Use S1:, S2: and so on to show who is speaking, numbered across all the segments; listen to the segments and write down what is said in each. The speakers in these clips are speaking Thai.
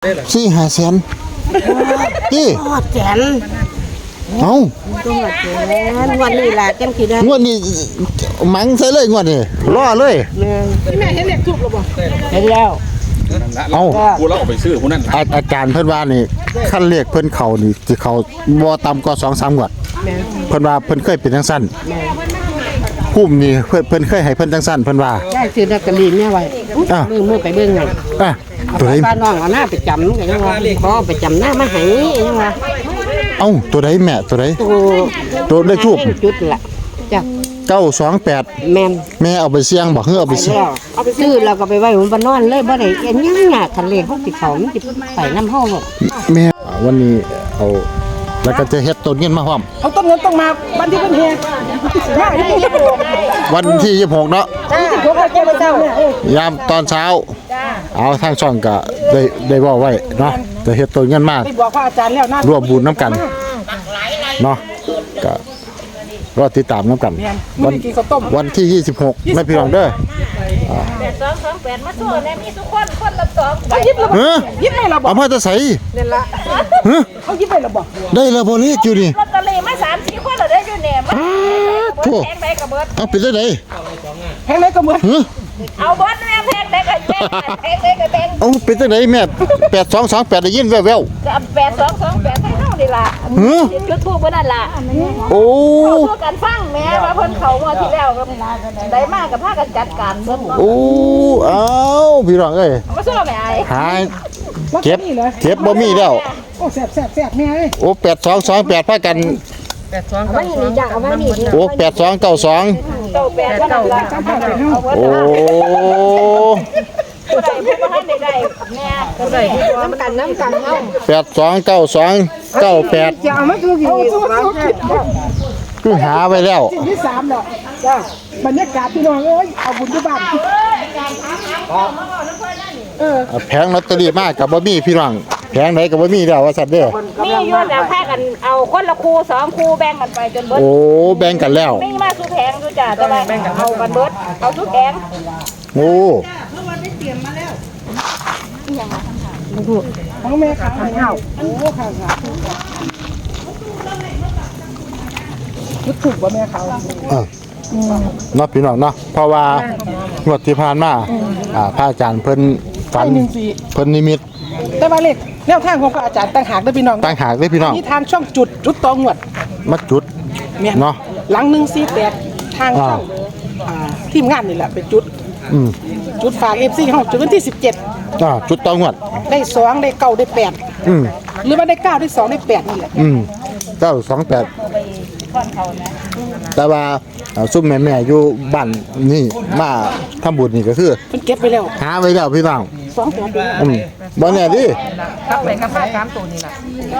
S1: 4-5 แสนนี่
S2: ทอดแสน
S1: เอ้า
S2: ตัวแสนวันนี้ล่ะจังสิได้
S1: งวดนี้มังใส่เลยงวดนี้รอเลย
S2: แม่เห็นเลขทูบหรือบ่เห็นแล้ว
S1: เอ้า
S3: กูแล้วเอาไปซื้อผู้นั้น
S1: อาจารย์เพิ่นว่านี่คันเลขเพิ่นเข้านี่สิเข้าบ่ต่ำกว่า 2-3 งวดเพิ่นว่าเพิ่นเคยเป็นจังซั่นภูมินี่เพิ่นเคยให้เพิ่นจังซั่นเพิ่นว่า
S2: ได้ซื้อลอตเตอรี่แม่ไว้มือไปเบิ่งนั่นตัวใดป้าน้องเอาหน้าไปจำก็ยังว่าขอไปจำหน้ามาให้ยังว่า
S1: เอ้าตัวใดแม่ตัวใดตัวเลขทูบ
S2: จุดล่ะจ้ะ
S1: 928
S2: แม่น
S1: แม่เอาไปเสี่ยงบ่เอาไปเสี่ยง
S2: เอาไปซื้อแล้วก็ไปไว้บนบ้านนอนเลยบ่ได้เอ็นยังน่ะคันเลขเขาสิเข้ามันสิไปนำเฮาบ่
S1: แม่วันนี้เอาแล้วก็จะเฮ็ดต้นเงินมาพร้อม
S2: เอาต้นเงินต้องมาวันที่เพิ่นเฮ็ด
S1: วันที่26เนาะ
S2: 26เจ้าเจ้าย
S1: ามตอนเช้าเอาทางช่องก็ได้บอกไว้เนาะจะเฮ็ดต้นเงินมา
S2: บอกพระอาจารย์แล้วนะ
S1: ร่วมบุญน้ำกันเนาะก็รอติดตามน้ำกันวันที่26ไม่พี่น้องเด้อ
S4: 8228มาโชว์แน่มีทุกคนละ2
S2: ยิบให้เราบ่
S1: เอามาจะใส่
S2: นั่นล่ะเขายิบให้เราบ่
S1: ได้แล้วบ่เลขอยู่นี่
S4: ลอตเตอรี่มา 3-4 คนแล้วได้อยู่เนี่ยมาแพงได้ก็เบิด
S1: เอาไปได้ไหน
S2: แพงได้ก็เบิด
S4: เอาเบิดแม่แพงได้ก็แพงได้ก็แพง
S1: เอาไปได้ไหนแม่8228ได้ยินแว่วๆ
S4: ก็8228ให้เฮานี่ล่ะจุดทูบเพิ่นนั่นล่ะ
S1: โอ้
S4: เขากันฟังแม่ว่าเพิ่นเข้ามาที่แล้วก็ได้มากับพากันจัดการเบิด
S1: โอ้เอาพี่น้องเอ้ย
S4: มาสู้แม่ไอ้
S1: หายเก็บบ่มีแล้ว
S2: โอ้แซ่บแม่เอ้ย
S1: โอ้8228พากัน
S2: 82ไม่นี่จ้ะเอามานี่
S1: โอ้8292โอ้
S4: ผู้ใดผู้บ่ทันได้แม่ก็ได้น้ำกันเฮา
S1: 829298
S2: จะเอามาคือ
S1: คือหาไว้แล้ว
S2: ที่3แล้วจ้ะบรรยากาศพี่น้องเอ้ยเอาบุญที่บ้าน
S1: แผงลอตเตอรี่มากกับบ่มีพี่น้องแผงไหนกับบ่มีแล้วว่าซั่นเด้อ
S4: มีอยู่แล้วพากันเอาคนละคู่2คู่แบ่งกันไปจนเบิด
S1: โอ้แบ่งกันแล้ว
S4: มีมาสู่แผงอยู่จ้ะแต่ว่าเอากันเบิดเอาทุกแผง
S1: โอ้
S2: ของแม่ขาวให้เฮาโอ้ค่ะจุดถูกบ่แม่ขาว
S1: เนาะพี่น้องเนาะเพราะว่างวดที่ผ่านมาพระอาจารย์เพิ่นฝันเพิ่นนิมิต
S2: แต่ว่าเลขแนวทางของพระอาจารย์ต่างหากเด้อพี่น้อง
S1: ต่างหากเด้อพี่น้อง
S2: มีทางช่องจุดตองวด
S1: มาจุดเนาะ
S2: หลัง148ทางช่องทีมงานนี่แหละเป็นจุดฝาก FC เฮาจุดวันที่17
S1: จุดตองวด
S2: ได้2ได้9ได้8หรือว่าได้9ได้2ได้8นี่แหละ
S1: 928แต่ว่าซุ่มแม่ๆอยู่บ้านนี่มาทำบุญนี่ก็คือ
S2: เพิ่นเก็บไว้แล้ว
S1: หาไว้แล้วพี่น้อง
S2: 2
S1: บ่แน่ดิ
S2: ครับไปกับ3ตัวนี่ล่ะ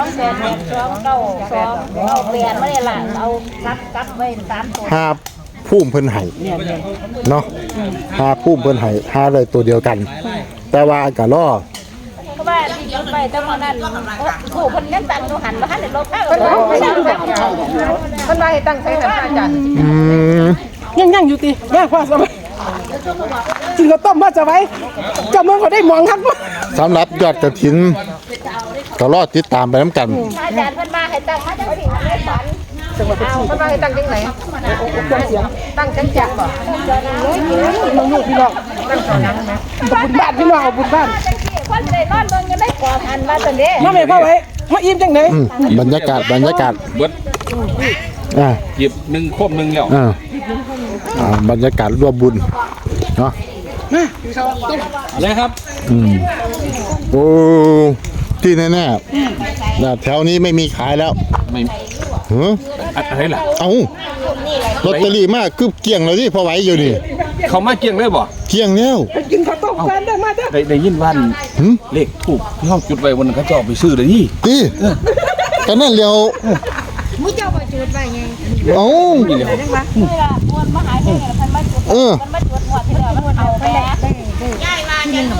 S4: 28298ไม่ได้ล่ะเอากับไว้3ตัว
S1: หาภูมิเพิ่นให้เนาะหาภูมิเพิ่นให้หาเลยตัวเดียวกันแต่ว่าก็รอ
S4: เพราะว่าที่ยกไปแต่มื้อนั้นผู้เพิ่นยังตั้งอยู่หันบ่ทันได้ลบข้างก็
S2: เพิ่นว่าให้ตั้งใส่ท่านอาจารย์ยังอยู่ติแม่ว่าสบายจริงก็ต้มมาจะไว้จำเมืองก็ได้มองครับ
S1: สำหรับยอดกฐินก็รอติดตามไปนำกัน
S4: อาจารย์เพิ่นมาให้ตั้งมาจังซี่ให้ฝัน
S2: จังหวัดเพชรบุรีเพิ่นว่าให้ตั้งจังไหนตั้งจังบ่น้องพี่น้องตั้งตอนนั้นนะบุญบ้านพี่น้องบุญบ้าน
S4: คนได้นอนเบิ่งกันได้กว่าหันมาซั่นเด้
S2: มาแม่พ่อไว้มาอิ่มจังได๋
S1: บรรยากาศ
S3: เบิดหยิบ1ครบ1แล้ว
S1: บรรยากาศร่วมบุญเนาะ
S3: อะไรครับ
S1: โอ้ที่แน่ๆแถวนี้ไม่มีขายแล้ว
S3: ไม่อะไรล่ะ
S1: เอาลอตเตอรี่มากคือเกี่ยงเลยที่พอไหวอยู่นี่
S3: เขามาเกี่ยงเลยบ่
S1: เกี่ยงแล้ว
S2: กินข้าวต้มกันได้มาเด้
S3: อได้ยินว่าเลขถูกที่ห้องจุดไว้วันนั้นเขาจะเอาไปซื้อเลยนี่
S1: กันนั่นเดียว
S4: มื้อเจ้าไปจุดไว้ไง
S1: นี่เลย
S4: จังว่าเวลามวนมาหาเพิ่นเพิ่นมาจุดมันมาจุดหัวที่แล้วมันเอาไปแล้วย้ายมาจัง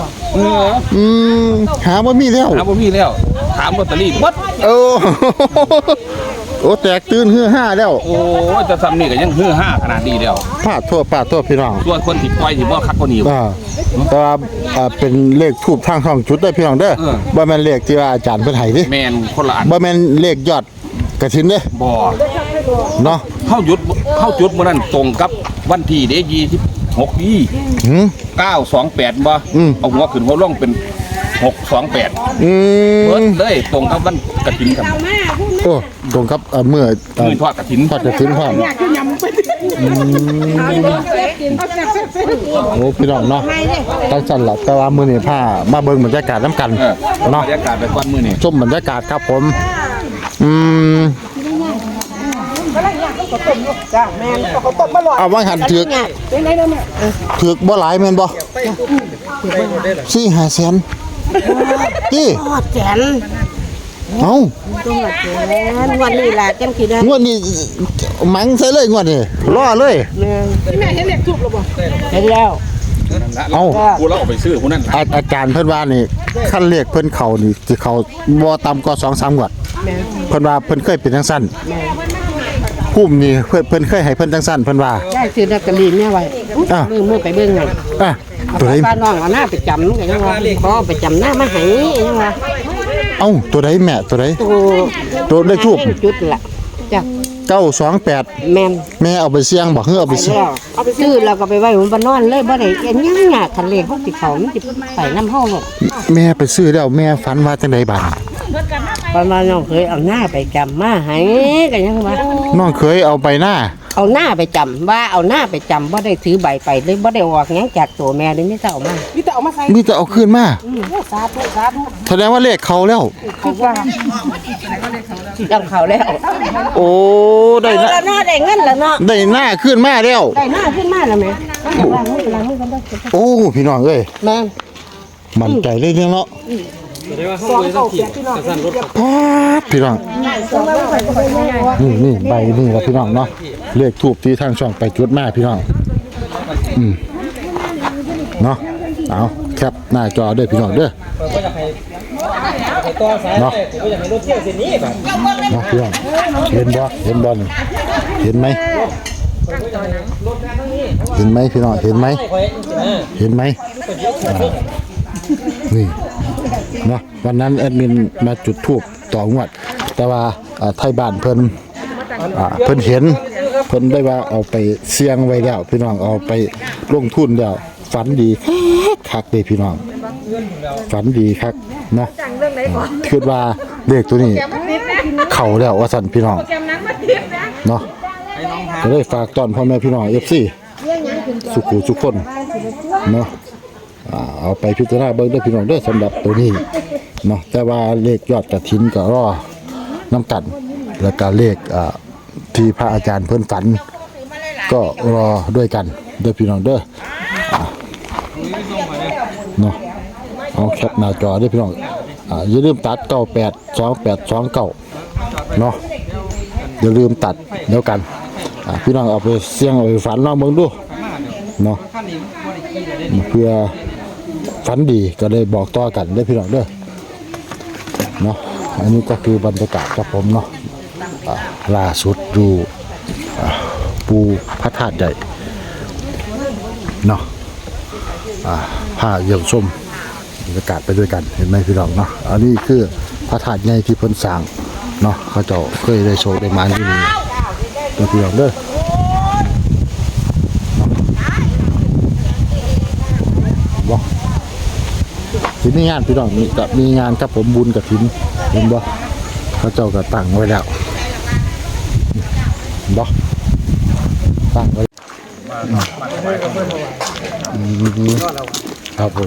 S1: หาบ่มีแล้ว
S3: ถามลอตเตอรี่หมด
S1: โอ้แตกตื่นฮือห้าแล้ว
S3: โอ้ยแต่ซ้ำนี่ก็ยังฮือฮาขนาดนี้แล้ว
S1: พาดทั่วพี่น้อง
S3: ส่วนคนที่ปล่อยที่บ่คักกว่านี้
S1: แต่ว่าเป็นเลขทูบทางช่องจุดได้พี่น้องเด้อบ่แม่นเลขที่ว่าอาจารย์เพิ่นให้เด้
S3: แม่นคนละอัน
S1: บ่แม่นเลขยอดกฐินเด้
S3: บ่
S1: เนาะ
S3: เข้าจุดมื้อนั้นตรงกับวันที่เด้26นี่
S1: หืม
S3: 928บ่เอาหัวขึ้นหัวลงเป็น628
S1: อื
S3: เบิ
S1: ม
S3: ดเลยตรงกับวันกฐินครับ
S1: โอ้ตรงครับเมื่อ
S3: มื้อทอดกฐิน
S1: ทอดกฐินพร้อม
S2: อยากกินยำไปเอาแซ่บ
S1: โอ้พี่น้องเนาะตั้งจันล่ะแต่ว่ามื้อนี้พามาเบิ่งบรรยากาศนํกัน
S3: บร
S1: เนาะ
S3: รยากาศไปก่อนมื้อนี้
S1: ชมบรรยากาศครับผม
S2: จ้าแม่นเขาต้มมาหลอด
S1: เอาว่าหันถือก
S2: เป็นไงนะแม่
S1: ถือกบ่หลายแม่นบ่4-5 แสนติ
S5: ทอดแขน
S1: เอ้า
S5: ทอดแขนวันนี้ล่ะจังสิได้
S1: งวดนี้มังใส่เลยงวดนี้รอเลย
S2: แม่เห็นเด็กทุบหรือเปล่า
S5: เห็นแล้ว
S1: เอ้า
S3: กูแล้วเอาไปซื้อผู้นั้น
S1: อาจารย์เพิ่นว่านี่คันเลขเพิ่นเข้านี่สิเข้าบ่ต่ำกว่า 2-3 งวดเพิ่นว่าเพิ่นเคยเป็นจังซั่นภูมินี่เพิ่นเคยให้เพิ่นจังซั่นเพิ่นว่า
S5: ได้ซื้อลอตเตอรี่แม่ไว้มือไปเบิ่งนั่น
S1: ตัวใด
S5: ป้าน้องเอาหน้าไปจำก็ยังว่าขอไปจำหน้ามาให้ยังว่า
S1: เอ้าตัวใดแม่ตัวใด
S5: ตัว
S1: ตัวเลขทูบ
S5: จุดล่ะจ้ะ
S1: 928
S5: แม่น
S1: แม่เอาไปเสี่ยงบ่คือเอาไปเสี่ยง
S5: แล้วเอาไปซื้อแล้วก็ไปไว้ผมบ้านนอนเลยบ่ได้ยังยากคันเลขเฮาสิเข้ามันสิไปนำเฮาบ่
S1: แม่ไปซื้อแล้วแม่ฝันว่าจังไดบัด
S5: ประมาณน้องเคยเอาหน้าไปจำมาให้ก็ยังว่า
S1: น้องเคยเอาไปหน้า
S5: เอาหน้าไปจำว่าเอาหน้าไปจำบ่ได้ถือใบไปเลยบ่ได้ออกหยังจากตัวแม่เลยไม่ต้องเอามา
S2: มีแต่เอามาใส่
S1: มีแต่เอาคืนมา
S2: สาธุสาธุ
S1: แสดงว่าเลขเขาแล้ว
S5: เขาว่าจำเขาแล้ว
S1: โอ้ได้
S5: เอา
S1: นะ
S5: ละเนาะได้เงินแล้วเนาะ
S1: ได้หน้าขึ้นมาแล้ว
S5: ได้หน้าขึ้นมาแล้วแม่ล้างมือกันได้
S1: โอ้พี่น้องเอ้ย
S5: แม่
S1: มั่นใจเลยเนาะ
S2: สองเก่าเปียกพี่น้อง
S1: พาดพี่น้องนี่ใบนี่ละพี่น้องเนาะเลขทูบที่ทางช่องไปจุดมาพี่น้องเนาะเอาแคปหน้าจอด้วยพี่น้องเด้อเนาะเนาะพี่น้องเห็นบ่นี่เห็นไหมพี่น้องเห็นไหมนี่เนาะวันนั้นแอดมินมาจุดธูปต่องวด แต่ว่าไทยบ้านเพิ่นเห็นเพิ่นได้ว่าเอาไปเสี่ยงไว้แล้วพี่น้องเอาไปลงทุนแล้วฝันดีคักเลยพี่น้องฝันดีคักเนาะคิดว่าเลขตัวนี้เข้าแล้วว่าสั่นพี่น้องเนาะก็เลยฝากตอนพ่อแม่พี่น้อง FC สุขุทุกคนเนาะเอาไปพิจารณาเบิ่งด้วยพี่น้องด้วยสำหรับตัวนี้เนาะแต่ว่าเลขยอดกฐินก็รอน้ำกันแล้วก็เลขที่พระอาจารย์เพิ่นฝันก็รอด้วยกันเด้อพี่น้องเด้อเนาะเอาแคปหน้าจอด้วยพี่น้องอย่าลืมตัด982829เนาะอย่าลืมตัดเดี๋ยวกันพี่น้องเอาไปเสี่ยงเอาไปฝันลองเบิ่งดูเนาะเพื่อฝันดีก็เลยบอกต่อกันได้พี่น้องเด้อเนาะอันนี้ก็คือบรรยากาศครับผมเนาะล่าสุดดูปูพระธาตุใหญ่เนาะผ้าเยี่ยมชมบรรยากาศไปด้วยกันเห็นไหมพี่น้องเนาะอันนี้คือพระธาตุใหญ่ที่เพิ่นสร้างเนาะเขาเจ้าเคยได้โชว์ได้มาที่นี่เด้อพี่น้องเด้อสิมีงานพี่น้องนี่กับมีงานครับผมบุญกับถินเห็นบ่เขาเจ้าก็ตั้งไว้แล้วบ่ตั้งไว้ครับผม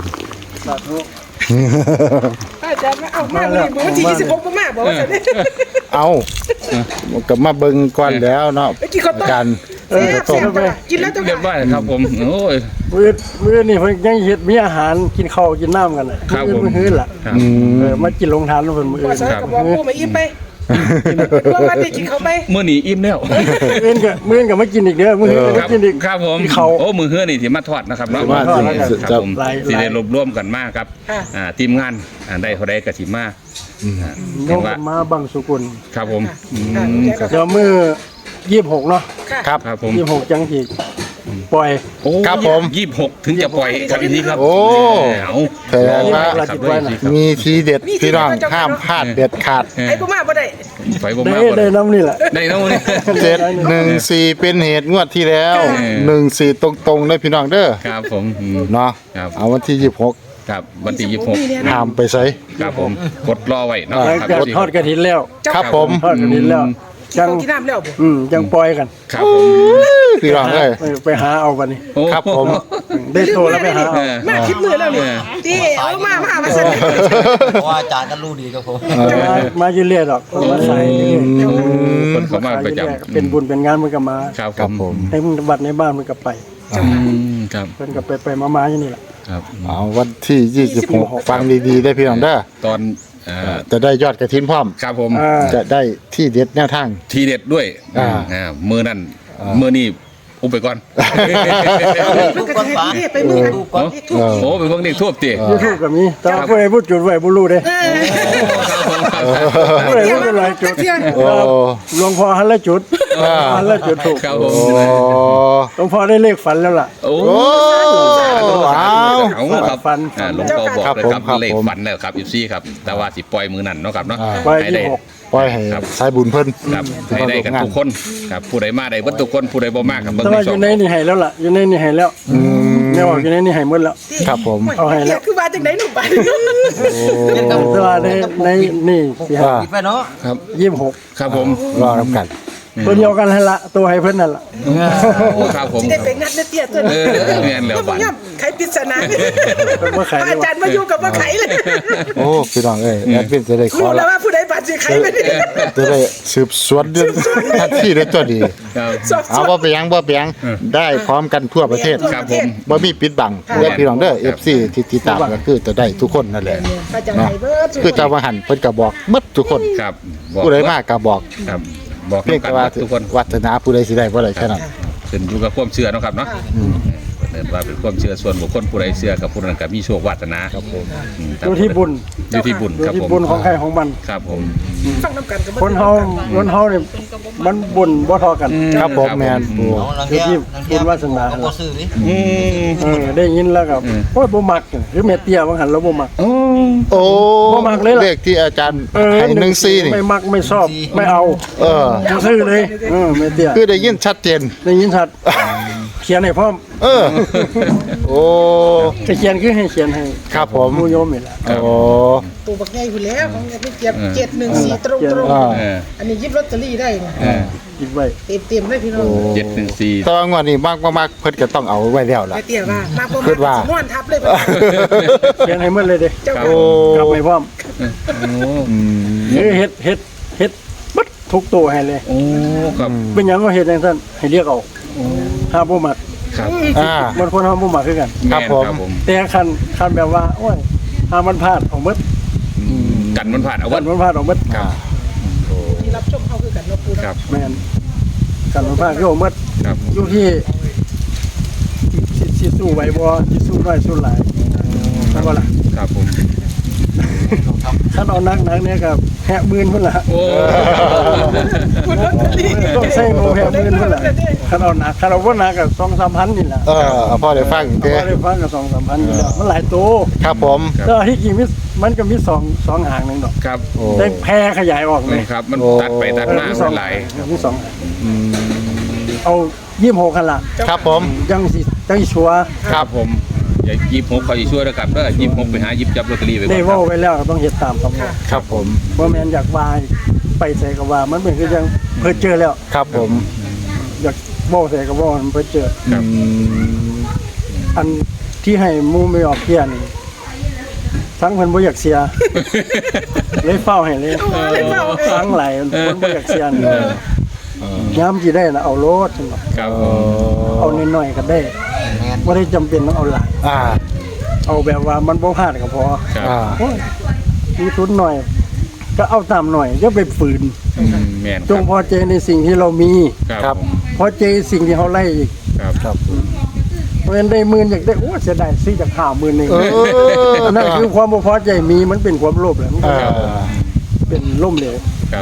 S2: อาจารย์เอามาเลยมื้อที่26บ่มาบ่ว่าซั่น
S1: เอาก็มาเบิ่งก่อนแล้วเนาะการ
S2: กินแล้วจะ
S3: เรียบร้อยครับผมโอ้ย
S6: มื้อนี่เพิ่นยังเฮ็ดมีอาหารกินข้าวกินน้ำกันน่ะ
S3: ครับผม
S6: มื้อล่ะมากินลงทานเพิ่นมื้อ
S2: บ่ซั่นก็บอกกูมาอิ่มไปว่ามาได้กินข้าวไป
S3: มื้อนี้อิ่มแล้ว
S6: มื้อก็มากินอีกเด้อมื้อก็มากินอีก
S3: ครับผม
S6: กินข้าว
S3: โอ้มือเฮือนี่ที่มาทอดนะครับเนาะ
S1: ว่าสิ
S3: ครับผม
S6: หลาย
S3: สิได้รวบรวมกันมากครับทีมงานได้เท่าใดก็สิมา
S6: น้องมาบังสุกุล
S3: ครับผมอืม
S6: เดี๋ยวมือ26เนาะ
S1: ครับ
S3: ครับผม
S6: 26จังสิปล่อย
S3: โอ้
S1: ครับผม
S3: 26ถึงจะปล่อยครับพี่ครับ
S1: โอ้
S3: เอา
S1: แสดงว่า
S3: ครับด้วยสิครับ
S1: มีทีเด็ดพี่น้องห้ามพลาดเด็ดขาด
S2: ไอ้กูมาบ่ได้
S3: ไฟบ่
S6: ได้
S3: มาบ่
S6: ได้น้ำนี่แหละ
S3: ได้เนาะนี่
S1: 714เป็นเหตุงวดที่แล้ว14ตรงๆได้พี่น้องเด้อ
S3: ครับผมอืม
S1: เนาะ
S3: ครับ
S1: เอาวันที่26
S3: ครับวันที่
S1: ห้ามไปใส่
S3: 26ครับผมกดรอไว้เนาะ
S6: หลัง
S3: ครับ
S6: จากทอดกระถินแล้ว
S1: ครับผม
S6: ทอดกระถินแล้ว
S2: จั
S6: จั
S2: ง
S6: ง
S2: กินน้ำแล้วบ่
S6: จังปล่อยกัน
S3: ครับผม
S1: พี่น้องเอ้ย
S6: ไปหาเอาบัดนี้
S3: โอ้
S1: ครับผม
S6: ได้โตแล้วไปหาเอา
S2: มาคิดมือแล้วนี่ที่เอามาสนิท
S7: เพราะว่าอาจารย์ก็รู้ดีครับผม
S6: มาอยู่เรื่อยดอกคนมาใส่เรื่อย
S3: คนเขามาประจ
S6: เป็นบุญเป็นงานมันก็มา
S3: ำครับ
S1: ครับผม
S6: ให้มึงบัดในบ้านมันก็ไป
S3: ครับ
S6: เพิ่นก็ไปมาๆอยู่นี่แหละ
S3: ครับ
S1: เอาวันที่26ฟังดีๆได้พี่น้องเด้อ
S3: ตอน
S1: จะได้ยอดกระถินพร้อม
S3: ครับผม
S1: จะได้ที่เด็ดแนวทาง
S3: ทีเด็ดด้วย มือนั่นมือนี่อุบไปก่อน
S2: มันก็จะให้ไปมือกัน
S3: โอ้เป็นพวกนี้ทั่วตี
S6: ยูทูบก็มีแต่ว่าผู้ใดพูดจุดไว้บ่รู้เด้ผู้ใดพูดหลายจุด
S1: โอ้
S6: หลวงพ่อหันละจุดหันละจุดถูก
S3: ครับผม
S1: โอ้
S6: หลวงพ่อได้เลขฝันแล้วล่ะ
S3: โอ้
S1: เอา
S3: ครับ
S6: ฝัน
S3: หลวงพ่อบอก
S1: ครับ
S3: เลย
S1: ผม
S3: ครับ
S1: ครับ
S3: เลข
S1: ผม
S3: ฝันแล้วครับอยู่ซี่ครับแต่ว่าสิปล่อยมือนั่นเนาะครับเนาะ
S6: ปล่อย
S3: ให้ได้
S6: 26
S1: ปล่อยให้
S3: ครับ
S1: สายบุญเพิ่น
S3: ครับให้ได้กันทุกคนครับผู้ใดมาได้เบิดทุกคนผู้ใดบ่มาครับเบิ่ง
S6: แต่
S3: ใน
S6: ว่าอ
S3: ช่อยู่ ง
S6: ในนี่ให้แล้วล่ะอยู่ในนี่ให้แล้วแม่ว่าอยู่ในนี่ให้หมดแล้ว
S1: ครับผม
S6: เอาให้แล้ว
S2: คือว่าจังได๋หนูไป
S6: แต่ว่าในนี่สิให้
S7: ปิดไปเนาะ
S3: ครับ
S6: 26
S3: ครับผม
S1: รอรับกัน
S6: ตัวเดียวกันให้ละตัวให้เพิ่นนั่นล่ะ
S3: โอ้ครับผม
S2: สิได้ไปงัดเตี้ยตัว
S3: เออแม่นแล้ว
S2: บ่
S3: บัด
S2: ย่ำไขปริศนา
S6: บ่ขาย
S2: อาจารย์มาอยู่กับบ่ไขเลย
S1: โอ้พี่น้องเอ้ยแอดมินจะได้ขอ
S2: รู้แล้
S1: ละ
S2: วว่าผู้ใดบาดสิไขไปนี่
S1: จะได้สืบสวนเรื่องทันทีได้ตัวดี
S3: ครับ
S2: สอบ
S1: เอาบ่ไปยังได้พร้อมกันทั่วประเทศ
S3: ครับผม
S1: บ่มีปิดบังเด้อพี่น้องเด้อ FC ที่ติดตามก็คือจะได้ทุกคนนั่นแหละ
S2: อาจารย์
S1: เนาะ
S2: ให้เบิด
S1: คือเจ้าว่าหันเพิ่นก็บอกหมดทุกคน
S3: ครับ
S1: ผู้ใดมาก็บอก
S3: ครับบอก
S1: เพียง
S3: กัน
S1: แต่ว่า
S3: ทุกคน
S1: วัฒนาผู้ใดสิได้บ่ได้แค่นั้น
S3: ขึ้นอยู่กับความเชื่อเนาะครับเนาะเนินว่าเป็นความเชื่อส่วนบุคคลผู้ใดเชื่อกับผู้นั้นก็มีโชควาสนาครับผม
S6: อยู่ที่บุญ
S3: อยู่ที่บุญ
S6: อยู่
S3: ครับ
S6: ที่
S3: ผม
S6: บุญของใครของมัน
S3: ครับผม
S2: ฟังนำกันก็บ่
S6: คนเฮาเนี่ยมันบุญบ่เทอกัน
S1: ครับผมแม่นปู่
S7: เอาลังเทียลังเทีย
S6: บุญวาสนา
S7: ก็บ่ซื้อดิ
S6: ได้ยินแล้วก็โอ้ยบ่มักหรือแม่เตี้ยว่าหันแล้วบ่มัก
S1: โอ้
S6: บ่มักเลยล่ะ
S1: เลขที่อาจารย์ให้14นี่
S6: ไม่มักไม่ชอบไม่เอา
S1: เออ
S6: บ่ซื้อเลยแม่เตี้ย
S1: คือได้ยินชัดเจน
S6: ได้ยินชัดเขียนให้พร้อม
S1: เออ โอ้
S6: จะเขียนคือให้เขียนให้
S1: ครับผม
S6: หมู่โยมนี่แหละ
S1: โอ้
S2: ปู่บักใหญ่อยู่แล้วของพี่เจี๊ยบ714ตรง
S1: อ่า
S2: ๆอันนี้หยิบลอตเตอรี่ได้นี่
S6: คิดไว้
S2: เต็มๆเลยพี่น้อง
S3: 714
S1: ตอนวันนี้มากเพิ่นก็ต้องเอาไว้แล้วล่ะ
S2: ไอ้เตี้ยว่ามาบ่
S1: คิดว่า
S2: นอนทับเลย
S6: เขียนให้หมดเลยเด้
S2: เจ้า
S1: โอ้
S6: กลับไปพร้อม
S1: อืม
S6: เฮ็ดบัดทุกตัวให้เลย
S3: โอ้ครับ
S6: เป็นหยังก็เฮ็ดจังซั่นให้เรียกเอาถ้าบ่มัก
S3: ครับ
S1: อ่า
S6: มันคนเฮาบ่มักคือกัน
S1: ครับผม
S3: ครับผม
S6: แต่คันแบบว่าโอ้ยถ้ามันพลาดออกหมด
S3: กันมันผ่านเอา
S6: วั
S3: วัน น
S6: มันพลาดออกหมด
S3: ครับ
S2: ที่รับชมเขาคือกันเนาะปู่
S3: ครับ
S6: แม่นกันมันพลาดคือออกหมด
S3: ครับ
S6: อยู่ที่สิสู้ไหวบ่สิสู้น้อยสู้หลายใช่บ่ล่ะ
S3: ครับผม
S6: คันเอานักเนี่ยก็แหะมื่นพุ่นล่ะ
S3: โอ้
S6: ต้องใช้โมแหะมื่นพุ่นล่ะคันเอาหนักคันเอาบ่หนักก็ 2-3 พันนี่ล่ะ
S1: เออเอาพ่อได้ฟัง
S6: พ
S1: เด้
S6: อได้ฟังก็ 2-3 พันนี่แหละมันหลายตัว
S1: ครับผม
S6: แต่ว่าที่จริงมันก็มี2หางนึงดอก
S3: ครับ
S1: โอ้
S6: แต่แพร่ขยายออกเลย
S3: ครับมันตัดไปตัดมา
S6: มี
S3: เป็นหลาย
S6: มี2หางเอา26คันล่ะ
S1: ครับผม
S6: จังสิชัวร์
S3: ครับผมอย่า26เขาจะช่วยแล้วกันเด้อ26ไปหาหยิบจับลอตเตอรี่ไปก่
S6: ได้
S3: อนครั
S6: เว้า
S3: บ
S6: ไว้แล้วก็ต้องเฮ็ดตามคำบอก
S1: ครับผม
S6: บ่แม่นอยากว่าไปใส่ก็ว่ามันเป็นคือจังเพิ่นเจอแล้ว
S1: ครับผม
S6: อยากเว้าใส่ก็เว้ามันเพิ่นเจอ
S3: ครับ
S6: อันที่ให้หมู่ไม่ออกเที่ยนี่ทั้งเพิ่นบ่อยากเสีย เลยเฝ้าให้เลยทั้งหลายเพิ่นบ่อยากเสียนี่ยามสิได้น่ะเอาโลดซั่นบ่
S3: ครับผม
S6: เอาน้อยๆก็ได้บ่ได้จำเป็นต้องเอาหลาย
S1: อ่า
S6: เอาแบบว่ามันบ่พลาดก็พอ
S3: ครับ
S1: อ่า
S6: โอ้ยมีทุนหน่อย ก็เอาตามหน่อยอย่าไปฝืน
S3: แม่น
S6: จงพอใจในสิ่งที่เรามี
S3: ครับ
S6: พอใจสิ่งที่เขาไล่อีก
S3: ครับครับ
S6: เพราะฉะนั้นได้หมื่นอยากได้โอ้เสียดายซื้อจาก50,000นึง
S1: เออ
S6: นั่นคือความบ่พอใจมีมันเป็นความโลภแหละมัน
S1: เอ
S6: ก็
S1: อ
S6: เป็นล่มเหลว
S3: ครับ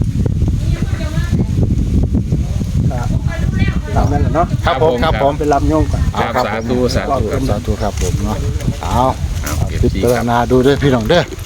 S6: ก็ตามนั้นแหละเนาะ
S1: ครับผมครับผม
S6: ไปรับโยมก่อน
S3: ครับสาธุสาธุครับ
S1: สาธุครับผมเนาะเอา
S3: เอาเอฟ
S1: พิ
S3: ซี
S1: จาร
S3: ครับ
S1: ณาดูด้วยพี่น้องเด้อ